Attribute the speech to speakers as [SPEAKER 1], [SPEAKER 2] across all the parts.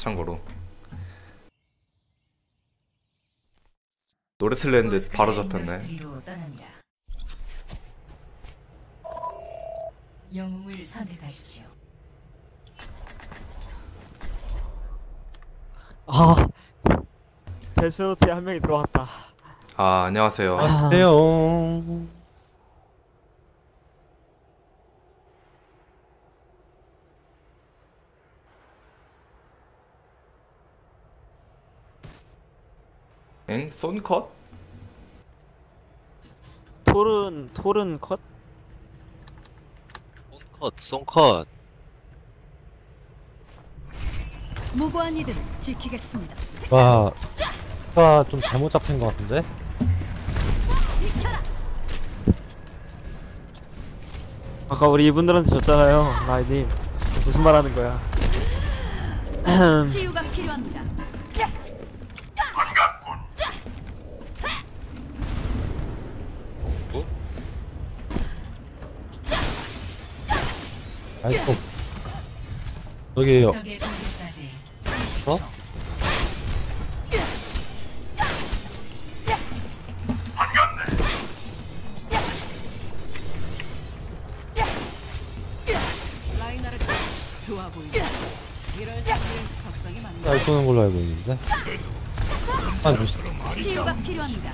[SPEAKER 1] 참고로 노래 틀렸는데 바로 잡혔네.
[SPEAKER 2] 영웅을 선택하십시오.
[SPEAKER 3] 아, 데스노트에 한 명이 들어왔다.
[SPEAKER 1] 아 안녕하세요.
[SPEAKER 4] 안녕하세요.
[SPEAKER 1] 엥? 손컷?
[SPEAKER 3] 토른 컷?
[SPEAKER 5] 송컷.
[SPEAKER 2] 무고한 이들을 지키겠습니다.
[SPEAKER 4] 와, 가 좀 잘못 잡힌 것 같은데?
[SPEAKER 3] 아까 우리 이분들한테 졌잖아요, 라이님. 무슨 말 하는 거야?
[SPEAKER 2] 치유가 필요합니다.
[SPEAKER 4] 아이고. 여기에요.
[SPEAKER 2] 적의 공격까지
[SPEAKER 4] 어?
[SPEAKER 2] 좋아 보인다. 이럴 때는 적성이 맞는
[SPEAKER 4] 날 쏘는 걸로 알고 있는데. 아, 조심.
[SPEAKER 2] 치유가 필요합니다.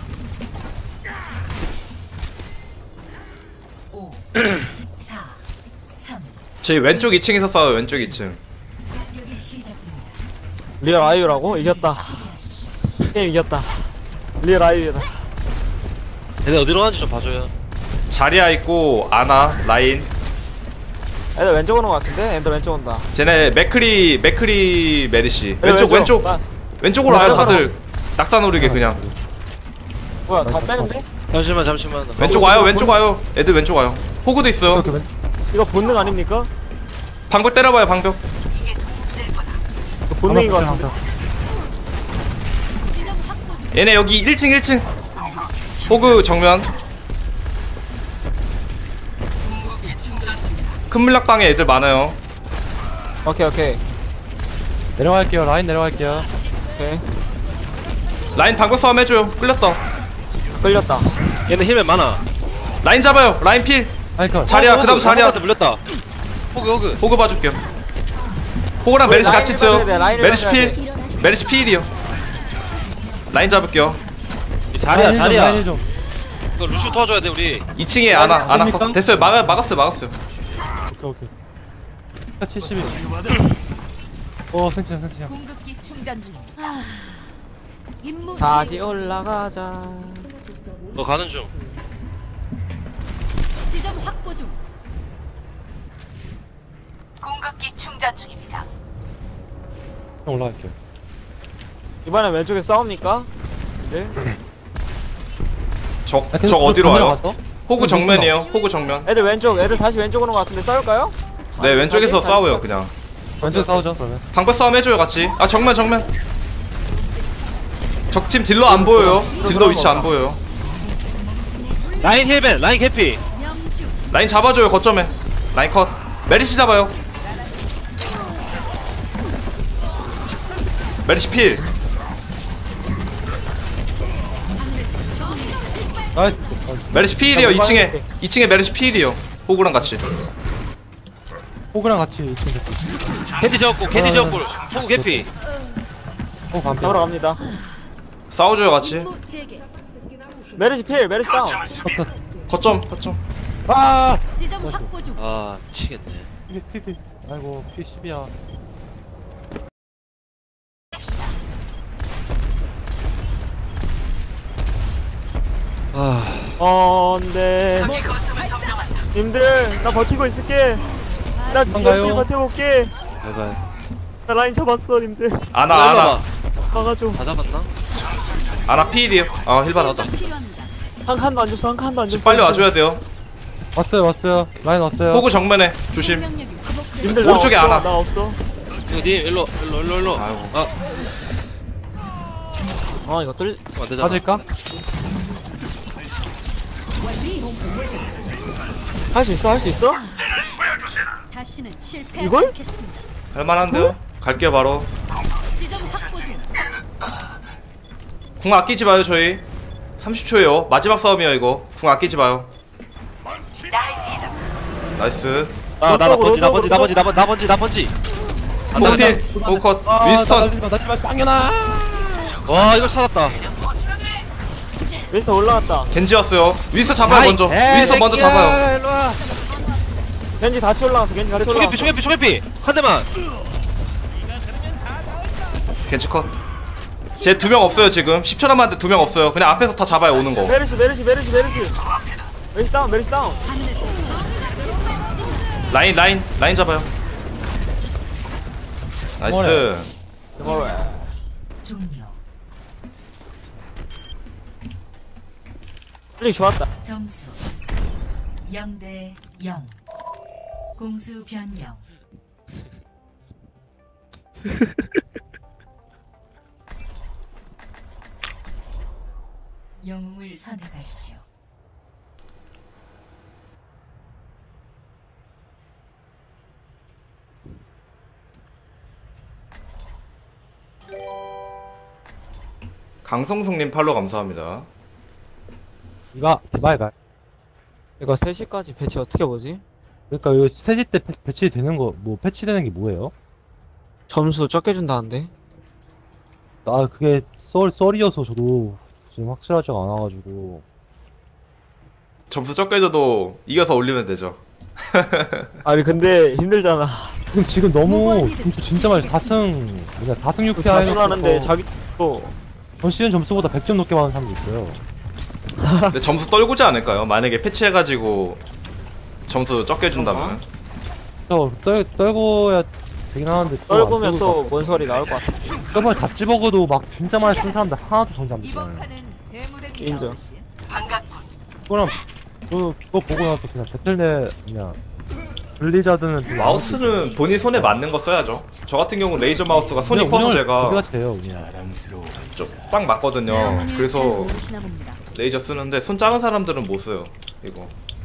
[SPEAKER 2] 5 4 3
[SPEAKER 1] 저희 왼쪽 2층에서 싸워요. 왼쪽 2층.
[SPEAKER 2] 공격이 시작됩니다.
[SPEAKER 3] 리얼 아이유라고? 이겼다. 게임 이겼다. 리얼 아이유다.
[SPEAKER 5] 얘네 어디로 가는지 좀 봐줘요.
[SPEAKER 1] 자리야 있고 아나 라인.
[SPEAKER 3] 애들 왼쪽 오는 거 같은데? 애들 왼쪽 온다.
[SPEAKER 1] 쟤네 맥크리 메리시.
[SPEAKER 3] 애들
[SPEAKER 1] 왼쪽
[SPEAKER 3] 나-
[SPEAKER 1] 왼쪽으로 와요
[SPEAKER 3] 왼쪽으로.
[SPEAKER 1] 다들. 낙사 노리게 그냥.
[SPEAKER 3] 뭐야, 다 빼는데?
[SPEAKER 5] 잠시만.
[SPEAKER 1] 왼쪽 와요. 왼쪽 와요. 애들 왼쪽 와요. 호그도 있어요.
[SPEAKER 4] 이렇게 왼,
[SPEAKER 3] 이거 본능 아닙니까?
[SPEAKER 1] 방벽 때려봐요. 방벽.
[SPEAKER 3] 이거 본능인 거 같은데?
[SPEAKER 1] 얘네 여기 1층. 호그 정면. 큰 물락방에 애들 많아요.
[SPEAKER 3] 오케이.
[SPEAKER 4] 내려갈게요. 라인 내려갈게요.
[SPEAKER 3] 오케이.
[SPEAKER 1] 라인 방벽 싸움 해줘요. 끌렸다.
[SPEAKER 3] 끌렸다.
[SPEAKER 5] 얘네 힐맨 많아.
[SPEAKER 1] 라인 잡아요. 라인 필.
[SPEAKER 4] 아이컷.
[SPEAKER 1] 자리야. 그다음 자리야.
[SPEAKER 5] 한테 물렸다. 호그.
[SPEAKER 1] 호그 봐줄게요. 호그랑 메리시 같이 있어요.
[SPEAKER 3] 라인을 봐야 돼,
[SPEAKER 1] 메리시
[SPEAKER 3] 라인을
[SPEAKER 1] 필. 메리시 필이요. 라인 잡을게요.
[SPEAKER 5] 자리야.
[SPEAKER 4] 라인 좀.
[SPEAKER 5] 이거 루슈 도와줘야 돼 우리.
[SPEAKER 1] 2층에 아나
[SPEAKER 4] 됩니까?
[SPEAKER 1] 컷. 됐어요. 막았어요.
[SPEAKER 4] 오케이. 71. 생치야.
[SPEAKER 2] 공급기 충전 중. 임무
[SPEAKER 3] 다시 올라가자.
[SPEAKER 5] 너 가는 중.
[SPEAKER 2] 지점 확보 중. 공급기 충전 중입니다.
[SPEAKER 4] 형 올라갈게요.
[SPEAKER 3] 이번엔 왼쪽에 싸웁니까? 네?
[SPEAKER 1] 적
[SPEAKER 4] 아, 계속
[SPEAKER 1] 어디로 와요?
[SPEAKER 4] 들어갔어?
[SPEAKER 1] 호그 정면이에요. 호그 정면.
[SPEAKER 3] 애들 다시 왼쪽 오는 거 같은데 싸울까요?
[SPEAKER 1] 네 왼쪽에서 싸워요 그냥.
[SPEAKER 4] 왼쪽 싸우죠 그러면.
[SPEAKER 1] 방벽 싸움 해줘요 같이. 아 정면. 적팀 딜러 안 보여요. 딜러 위치 안 보여요.
[SPEAKER 5] 라인 힐맨. 라인 캐피.
[SPEAKER 2] 명주
[SPEAKER 1] 라인 잡아줘요 거점에. 라인 컷. 메리시 잡아요. 메리시 필.
[SPEAKER 4] 나이스.
[SPEAKER 1] 메리시 필이요. 2층에 메리시 필이요. 호그랑 같이.
[SPEAKER 4] 호그랑 같이 있으면
[SPEAKER 5] 캐디 지었고. 호그 캐피.
[SPEAKER 4] 반피.
[SPEAKER 3] 잡으러 갑니다.
[SPEAKER 1] 싸워줘요 같이.
[SPEAKER 2] 임무 재개.
[SPEAKER 3] 메르시 필, 메르시 다운.
[SPEAKER 1] 거점.
[SPEAKER 4] 아!
[SPEAKER 2] 지점 확보 중.
[SPEAKER 5] 아 미치겠네.
[SPEAKER 4] 피. 아이고, 피 10이야.
[SPEAKER 3] 네. 님들, 나 버티고 있을게. 나 열심히 버텨볼게.
[SPEAKER 5] 拜拜.
[SPEAKER 3] 나 라인 잡았어, 님들.
[SPEAKER 1] 아나.
[SPEAKER 3] 막아줘.
[SPEAKER 5] 다 잡았나?
[SPEAKER 1] 아나 필이요. 힐 받았다.
[SPEAKER 2] 필요합니다.
[SPEAKER 3] 한 칸도 안 줬어, 한 칸도 안 줬어.
[SPEAKER 1] 지금 빨리 와줘야 돼요.
[SPEAKER 4] 왔어요. 라인 왔어요.
[SPEAKER 1] 호그 정면에 조심.
[SPEAKER 2] 명령이 회복돼.
[SPEAKER 3] 님들 나
[SPEAKER 1] 오른쪽에
[SPEAKER 3] 없어,
[SPEAKER 1] 하나.
[SPEAKER 3] 나 없어.
[SPEAKER 5] 님 일로.
[SPEAKER 1] 아이고.
[SPEAKER 3] 이거 뚫.
[SPEAKER 5] 안 되잖아.
[SPEAKER 4] 맞을까?
[SPEAKER 3] 할 수 있어?
[SPEAKER 2] 다시는 실패하지
[SPEAKER 3] 이걸?
[SPEAKER 2] 않겠습니다.
[SPEAKER 1] 할만한데요? 갈게요 바로. 궁 아끼지 마요 저희. 30초에요. 마지막 싸움이야 이거. 궁 아끼지 마요. 나이스.
[SPEAKER 5] 나 번지
[SPEAKER 1] 뽕필 뽕컷 윈스턴.
[SPEAKER 4] 나지마 쌍년아.
[SPEAKER 5] 와 이걸 살았다.
[SPEAKER 3] 윈스턴 올라갔다.
[SPEAKER 1] 겐지 왔어요. 윈스턴 잡아요 먼저. 윈스턴 먼저 잡아요.
[SPEAKER 5] 일로와.
[SPEAKER 3] 겐지 같이 올라갔어. 겐지 같이 올라갔어.
[SPEAKER 5] 초계피 한 대만.
[SPEAKER 1] 겐지 컷. 쟤 2명 없어요 지금. 10초 남았는데 2명 없어요. 그냥 앞에서 다 잡아요 오는 거.
[SPEAKER 3] 메르시 다운.
[SPEAKER 1] 라인 잡아요. 나이스.
[SPEAKER 2] 종료.
[SPEAKER 3] 솔직히 좋았다.
[SPEAKER 2] 점수 0대 0. 공수 변경. 영웅을 선택하십시오.
[SPEAKER 1] 강성승님 팔로 감사합니다.
[SPEAKER 4] 이거 디바이가.
[SPEAKER 3] 이거 3시까지 배치 어떻게 보지?
[SPEAKER 4] 그러니까 이거 3시 때 배치되는 거 뭐 패치되는 게 뭐예요?
[SPEAKER 3] 점수 적게 준다는데?
[SPEAKER 4] 아 그게 썰이어서 저도 지금 확실하지가 않아가지고.
[SPEAKER 1] 점수 적게 줘도 이겨서 올리면 되죠.
[SPEAKER 3] 아니 근데 힘들잖아.
[SPEAKER 4] 지금 너무 점수 진짜 많이 4승 4승 6패
[SPEAKER 3] 자수하는데 자기 또
[SPEAKER 4] 전 시즌 점수보다 100점 넘게 받는 사람도 있어요.
[SPEAKER 1] 근데 점수 떨구지 않을까요? 만약에 패치해가지고 점수 적게 준다면.
[SPEAKER 4] 떨고야 되긴 하는데
[SPEAKER 3] 떨구면 또 뭔 소리 나올 것 같아.
[SPEAKER 4] 저번에 다 집어가도 막 진짜 많이 쓴 사람들 하나도 정지 안 됐잖아요.
[SPEAKER 3] 인정.
[SPEAKER 4] 그럼 그거 보고 나서 그냥 배틀넷 그냥 블리자드는 좀
[SPEAKER 1] 마우스는 본인 손에 맞는 거 써야죠. 저 같은 경우 레이저 마우스가 손이 커서 제가
[SPEAKER 4] 돼요 그냥.
[SPEAKER 1] 좀 빡 맞거든요. 그래서 레이저 쓰는데 손 작은 사람들은 못 써요. 이거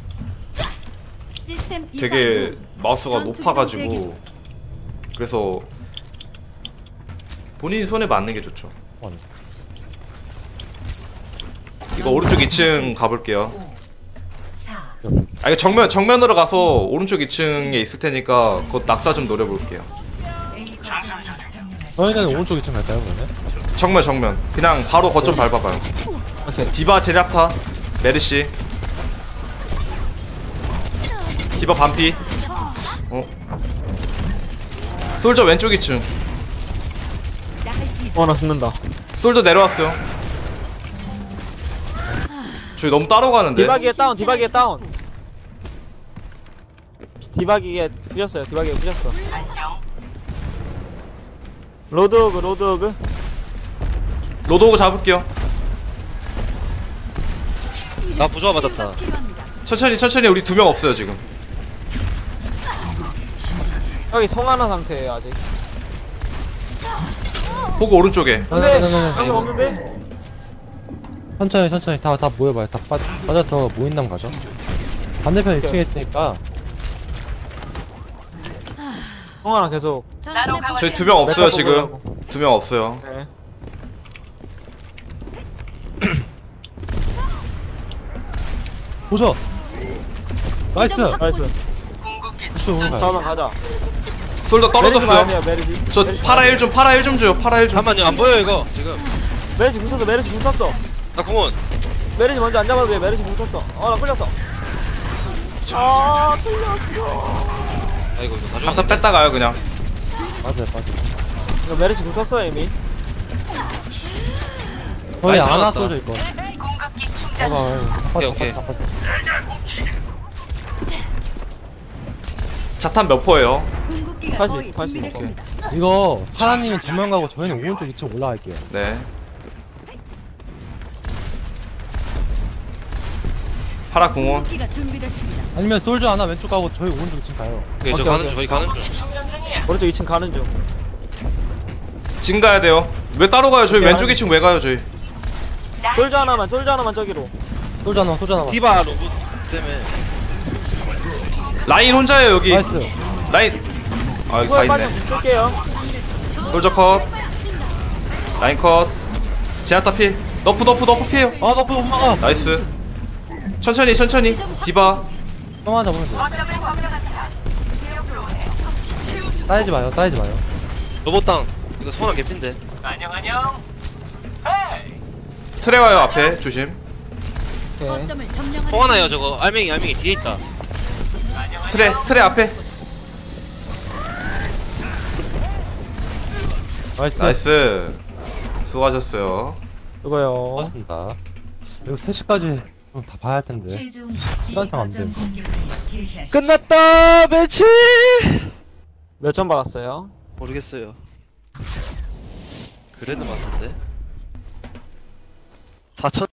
[SPEAKER 1] 되게 마우스가 높아가지고 그래서 본인 손에 맞는 게 좋죠. 이거 오른쪽 2층 가볼게요. 아 이거 정면으로 가서 오른쪽 2층에 있을 테니까 그거 낙사 좀 노려볼게요.
[SPEAKER 4] 저희는 오른쪽 2층 갈까요 그러면?
[SPEAKER 1] 정면 그냥 바로 거점 밟아봐요. 디바 제략타 메르시 디바 반피. 솔저 왼쪽 2층.
[SPEAKER 3] 나 죽는다.
[SPEAKER 1] 솔저 내려왔어요. 저희 너무 따로 가는데.
[SPEAKER 3] 디바기에 다운. 디바기에 부셨어요. 로드오그.
[SPEAKER 1] 로드오그 잡을게요.
[SPEAKER 5] 나 부조화 맞았다.
[SPEAKER 1] 천천히 우리 2명 없어요 지금.
[SPEAKER 3] 여기 송하나 상태예요 아직.
[SPEAKER 1] 호그 오른쪽에.
[SPEAKER 3] 근데 한명 없는데?
[SPEAKER 4] 천천히 다 모여봐요. 다 빠져서 모인남 가죠. 반대편 2층에 있으니까.
[SPEAKER 3] 송하나 계속.
[SPEAKER 1] 저희 2명 없어요 지금. 2명 없어요.
[SPEAKER 3] 네.
[SPEAKER 4] 보죠. 나이스.
[SPEAKER 3] 다음 가자.
[SPEAKER 1] 솔저 떨어졌어요.
[SPEAKER 3] 메르시.
[SPEAKER 1] 저 파라 1 좀 줘요. 파라 1 좀.
[SPEAKER 5] 잠깐만요 안 보여 이거 지금.
[SPEAKER 3] 메르시 궁 썼어.
[SPEAKER 5] 나 공원.
[SPEAKER 3] 메르시 먼저 안 잡아도 돼. 메르시 궁 썼어. 나 끌렸어. 끌렸어.
[SPEAKER 5] 아이고 이거 나중에.
[SPEAKER 1] 한타 뺐다 가요 그냥.
[SPEAKER 4] 맞아요.
[SPEAKER 3] 이거 메르시 궁 썼어 이미.
[SPEAKER 4] 거의 안
[SPEAKER 5] 들어갔다.
[SPEAKER 4] 왔어져 이거.
[SPEAKER 5] 오케이.
[SPEAKER 1] 자탄 몇 퍼예요?
[SPEAKER 3] 80.
[SPEAKER 4] 이거 파라님은 정면 가고 저희는 오른쪽 2층 올라갈게요.
[SPEAKER 1] 네. 파라 궁원.
[SPEAKER 4] 아니면 솔저 하나 왼쪽 가고 저희 오른쪽 2층 가요.
[SPEAKER 5] 오케이 저
[SPEAKER 3] 오케이,
[SPEAKER 5] 가는
[SPEAKER 3] 오케이.
[SPEAKER 5] 중 저희 가는 중.
[SPEAKER 3] 오른쪽 2층 가는 중.
[SPEAKER 1] 지금 가야 돼요. 왜 따로 가요? 저희
[SPEAKER 3] 오케이,
[SPEAKER 1] 왼쪽 2층 왜 가요 저희?
[SPEAKER 3] 솔저 하나만 저기로.
[SPEAKER 4] 솔저 하나.
[SPEAKER 5] 디바 로봇 때문에.
[SPEAKER 1] 라인 혼자예요 여기.
[SPEAKER 4] 나이스.
[SPEAKER 1] 라인. 아 여기 다
[SPEAKER 3] 이거에
[SPEAKER 1] 있네.
[SPEAKER 3] 빠지면 붙을게요.
[SPEAKER 1] 솔저 컷. 라인 컷. 제아타 필. 너프 피해요.
[SPEAKER 4] 아 너프 못 막아.
[SPEAKER 1] 나이스. 천천히 디바.
[SPEAKER 4] 형아 잡으면 돼. 따이지 마요.
[SPEAKER 5] 로봇당 이거 소원한 개핀데.
[SPEAKER 1] 트레 와요 앞에 조심.
[SPEAKER 3] 오케이.
[SPEAKER 2] 거점을 점령하는
[SPEAKER 5] 통하나요 저거. 알맹이 뒤에 있다.
[SPEAKER 1] 트레 앞에.
[SPEAKER 4] 나이스.
[SPEAKER 1] 나이스. 수고하셨어요.
[SPEAKER 3] 이거요.
[SPEAKER 4] 고맙습니다. 이거 3시까지 다 봐야 할 텐데.
[SPEAKER 2] 최종
[SPEAKER 4] 시간상 안 돼.
[SPEAKER 2] 공격을 개시하십시오.
[SPEAKER 5] 끝났다 매치.
[SPEAKER 3] 몇 점 받았어요?
[SPEAKER 5] 모르겠어요. 그래도 맞는데. 4천.